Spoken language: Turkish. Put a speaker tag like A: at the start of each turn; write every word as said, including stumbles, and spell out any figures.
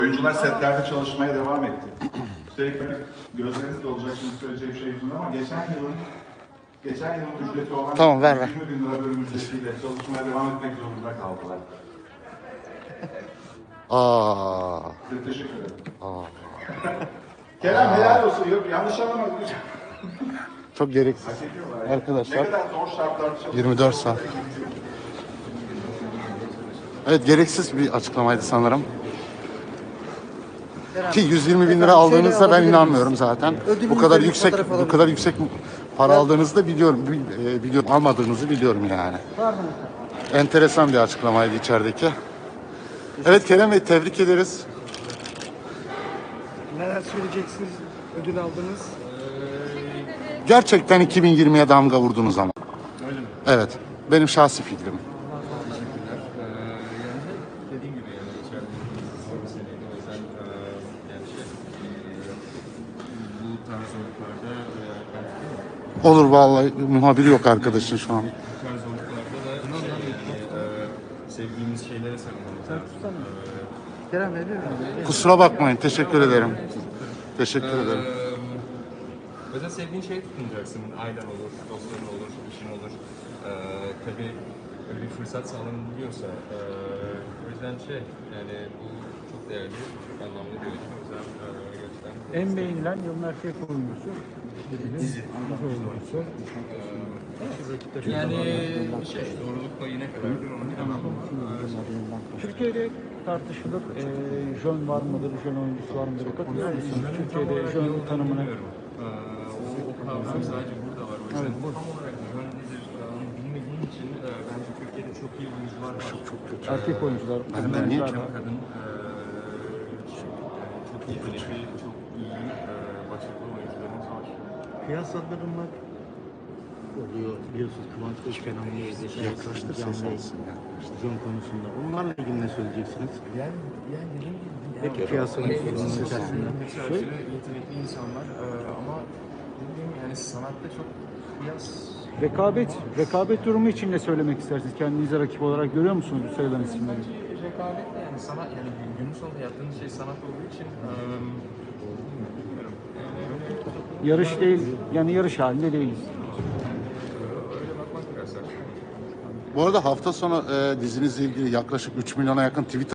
A: Oyuncular setlerde çalışmaya devam etti. Üstelik gözleriniz de olacak şimdi söyleyeceğim şey yüzünden ama geçen yılın geçen yılın ücreti olan
B: Tamam, ver ver.
A: yirmi bin lira bölüm ücretiyle çalışmaya devam etmek zorunda kaldılar.
B: Aa.
A: Size teşekkür ederim.
B: Aa.
A: Kerem helal olsun. Yok yanlış anlamadım.
B: Çok gereksiz.
A: Hak ediyorlar ya.
B: Arkadaşlar,
A: Ne kadar zor şartlarda çalışıyorlar.
B: yirmi dört saat. Evet, gereksiz bir açıklamaydı sanırım. Ki yüz yirmi bin lira aldığınızda ben inanmıyorum zaten. Bu kadar yüksek bu kadar yüksek para aldığınızı da biliyorum. Bil- e, Biliyorum, almadığınızı biliyorum yani. Enteresan bir açıklamaydı içerideki. Evet Kerem Bey, tebrik ederiz.
C: Neler söyleyeceksiniz? Ödül aldınız.
B: Gerçekten iki bin yirmiye damga vurdunuz ama.
D: Öyle mi?
B: Evet, benim şahsi fikrim.
D: Teşekkürler. Ee, yani dediğim gibi yani içeride bir seneydi. O yüzden e, yani şey e, bu tarz zorluklarda e,
B: Olur vallahi, muhabiri yok arkadaşın şu an.
D: bu tarz zorluklarda da yani, e, sevdiğimiz şeylere sarılmamız lazım.
C: Kerem veriyorum.
B: Kusura bakmayın, teşekkür ederim. Teşekkür ederim.
D: Ee, Özel sevdiğin şeyi tutunacaksın. Ailen olur, dostların olur, işin olur. Ee, tabii öyle bir fırsat sağlanabiliyorsa. Ee, o yüzden şey, yani bu çok değerli, çok anlamlı bir ödül. O yüzden e, gerçekten...
C: En beğenilen yılın erkek oyuncusu. Dizi. oyuncusu.
D: Yani şey, doğruluk payına kadardır onu bilemem ama... e,
C: Türkiye'de tartışılır. E, jön var mıdır, jön oyuncusu var mıdır? Katılıyor musunuz? Türkiye'de jön tanımına.
D: Ee, o, o kavram sadece burada var. O yüzden tam olarak yön nedir e, onu bilmediğim için e, bence Türkiye'de çok iyi oyuncular var. Çok çok
C: Erkek oyuncular, kadın
B: Ben niye
C: oyuncular var.
D: kadın e, çok yetenekli, çok iyi e, başarılı oyuncularımız var.
E: Kıyaslandırmak oluyor biliyorsunuz Kıvanç Özkan'ın
B: Yaklaştır ses alsın ya.
E: John konusunda. Onlarla ilgili ne söyleyeceksiniz?
D: Yani, yani dediğim gibi
E: Peki kıyaslamak sorunun içerisinde.
D: hepsi aşırı yetenekli insanlar e, ama dediğim gibi yani sanatta çok kıyas
C: Rekabet, rekabet durumu için ne söylemek istersiniz? Kendinize rakip olarak görüyor musunuz bu sayılan isimleri?
D: rekabet de yani sanat yani günün sonunda yaptığımız şey sanat olduğu için e, bilmiyorum. Yani,
C: Yarış değil, yani yarış halinde değiliz.
D: öyle bakmak biraz saçma.
B: Bu arada hafta sonu e, dizinizle ilgili yaklaşık üç milyona yakın tweet